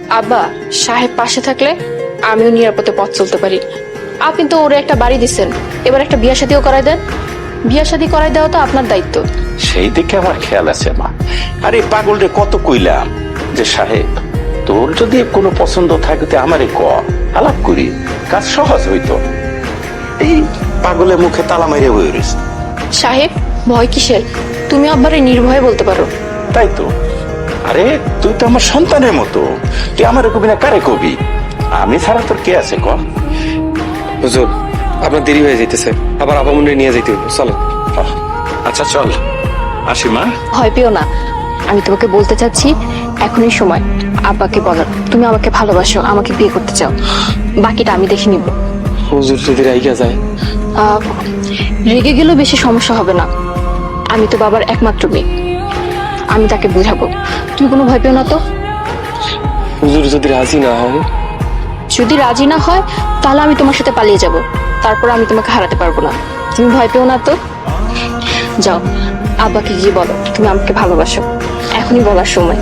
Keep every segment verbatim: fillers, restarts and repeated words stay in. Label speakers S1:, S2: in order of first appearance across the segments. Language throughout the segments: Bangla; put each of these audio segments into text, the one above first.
S1: আব্বা, সাহেব পাশে থাকলে আমিও নিরাপদে পথ চলতে পারি। আপনি তো ওরে একটা বাড়ি দিচ্ছেন, এবার একটা বিয়া শাদিও করাই দেন। বিয়া শাদি করাই দেওয়া তো আপনার দায়িত্ব।
S2: সেই দিকে আমার খেয়াল আছে মা। আরে পাগলরে কত কইলাম যে সাহেব তোর যদি কোনো পছন্দ থাকে আমারে ক, আলাপ করি, কাজ সহজ হইতো। এই পাগলের মুখে তালা মেরে বই রয়েছে।
S1: সাহেব, ভয় কিসের? তুমি আব্বারে নির্ভয়ে বলতে পারো।
S2: তাই তো। আরে তুই তো আমার সন্তানের মতো, তুই আমার কবি না কারে কবি? আমি ছাড়া তোর কে আছে ক?
S3: হুজুর, আপনার দেরি হয়ে যাইতেছে, আবার আপামনে নিয়ে যাইতে হইব, চলো।
S2: আচ্ছা চল আসি মা।
S1: ভয় পেও না, আমি তোমাকে বলতে চাচ্ছি এখনই সময় আব্বাকে বলার তুমি আমাকে ভালোবাসো, আমাকে বিয়ে করতে চাও। বাকিটা আমি দেখে নিব।
S3: হুজুর যদি রাইগা যায়?
S1: আহ, রেগে গেলেও বেশি সমস্যা হবে না। আমি তো বাবার একমাত্র মেয়ে, আমি তাকে বুঝাবো। তুমি কোনো ভয় পেও না তো।
S3: হুজুর যদি রাজি না হয়?
S1: যদি রাজি না হয় তাহলে আমি তোমার সাথে পালিয়ে যাব, তারপর আমি তোমাকে হারাতে পারবো না। তুমি ভয় পেও না তো। যাও, আব্বাকে গিয়ে বলো তুমি আমাকে ভালোবাসো। এখনই বলার সময়।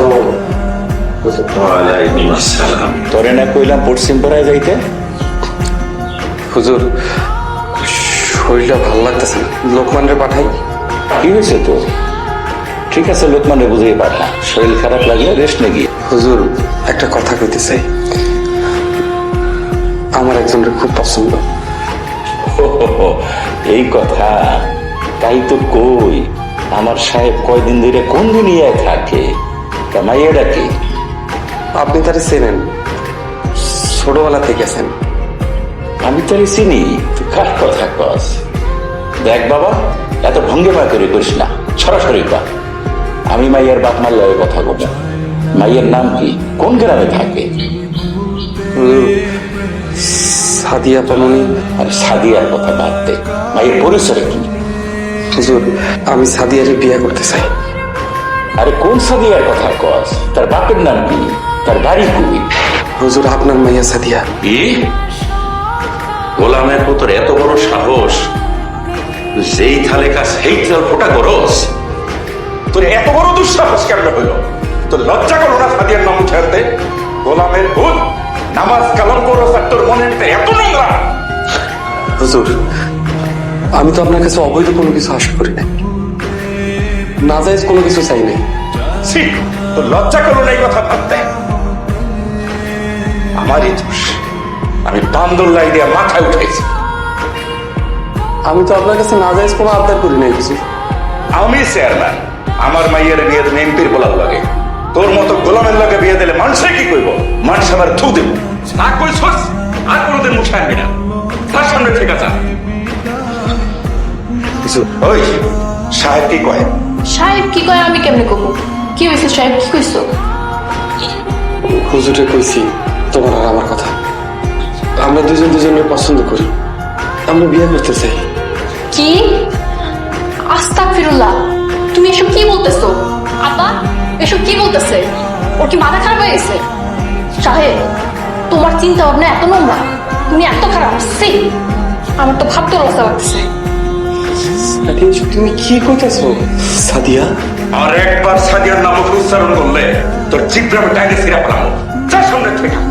S2: তোরে না কইলাম পশ্চিম পাড়ায় যাইতে?
S3: হুজুর, শরীরটা ভালো লাগতেছে না, লোকমানরে পাঠাই।
S2: কি হয়েছে তো? ঠিক আছে, লোকমানে বুঝিয়ে পাঠা। শরীর খারাপ লাগলে রেস্ট নে গিয়ে।
S3: হুজুর, একটা কথা কইতে চাই, আমার একজনের খুব পছন্দ।
S2: হো হো হো, এই কথা? তাই তো কই আমার সাহেব কয়দিন ধরে কোন দুনিয়ায় থাকে। তা মাইয়াটা কি?
S3: আপনি তারে চেনেন, ছোটবেলা থেকে আছেন।
S2: আমি তোরে চিনি, তুই কার কথা কস? দেখ বাবা, এত ভঙ্গিমা করে করিস না, সরাসরি কর। আমি মাইয়ার বাপ মাল্লার কথা বলবো। মাইয়ের নাম কি, কোন গ্রামে থাকে?
S3: হুজুর, সাদিয়া পামনি।
S2: আর সাদিয়ার কথা বাদ দে, মায়ের পরিচয় কি?
S3: হুজুর, আমি সাদিয়ারে বিয়ে করতে চাই।
S2: আরে কোন সাদিয়ার কথা কস? তার বাপের নাম কি? তার বাড়ি কই?
S3: হুজুর, আপনার মাইয়া সাদিয়া।
S2: কি? গোলামের পুত্র এত বড় সাহস, যেই থালে কাজ সেই থাল ফোটা করস? তোর এত বড় দুঃসাহস কেমন হইল? তোর লজ্জা করো না সাদিয়ার নাম উঠে আনতে? গোলামের ভূত, নামাজ কালাম করো, তোর মনের ভিতরে এত নোংরা?
S3: হুজুর, আমি তো আপনার কাছে অবৈধ কোনো কিছু আশা করি নাই, নাজায়েজ কোনো কিছু চাই নাই।
S2: ছি, তোর লজ্জা করো না এই কথা ভাবতে? আমারই দোষ, আমি বান্দরলাই দিয়ে মাথায় উঠেছি।
S3: আমি তো আপনার কাছে নাজায়েজ কোনো আবদার করি নাই কিছু।
S2: আমি চেয়ারম্যান, আমার মাইয়ের বিয়ে দেবে এমপির বলার লাগে। তোর মতো গোলামের লাগে বিয়ে দিলে মানুষে কি করব? মানুষ আবার থু দেব। না কইছস আর কোনোদিন মুখে আনবি না, তার সামনে ঠিক আছে। ওই সাহেব কি কয়?
S1: সাহেব কি কয় আমি কেমনে কমু? কি হয়েছে সাহেব, কি কইছো?
S3: হুজুরে কইছি তোমার আর আমার কথা, আমরা দুজন দুজনের পছন্দ করি, আমরা বিয়ে করতে চাই।
S1: কি? আস্তাগফিরুল্লাহ, তুমি এসব কি বলতেছো? আব্বা এসব কি বলতেছে? ওর কি মাথা খারাপ হয়ে গেছে? সাহেব, তোমার চিন্তা ভাবনা এত নোংরা, তুমি এত খারাপ। সে আমার তো ভাবতে লজ্জা লাগছে।
S3: তুমি কি কইতেছো সাদিয়া?
S2: আর একবার সাদিয়ার নাম উচ্চারণ করলে তোর জিব্রামে টাইনে সিরা ফেলাম। যার সামনে থেকে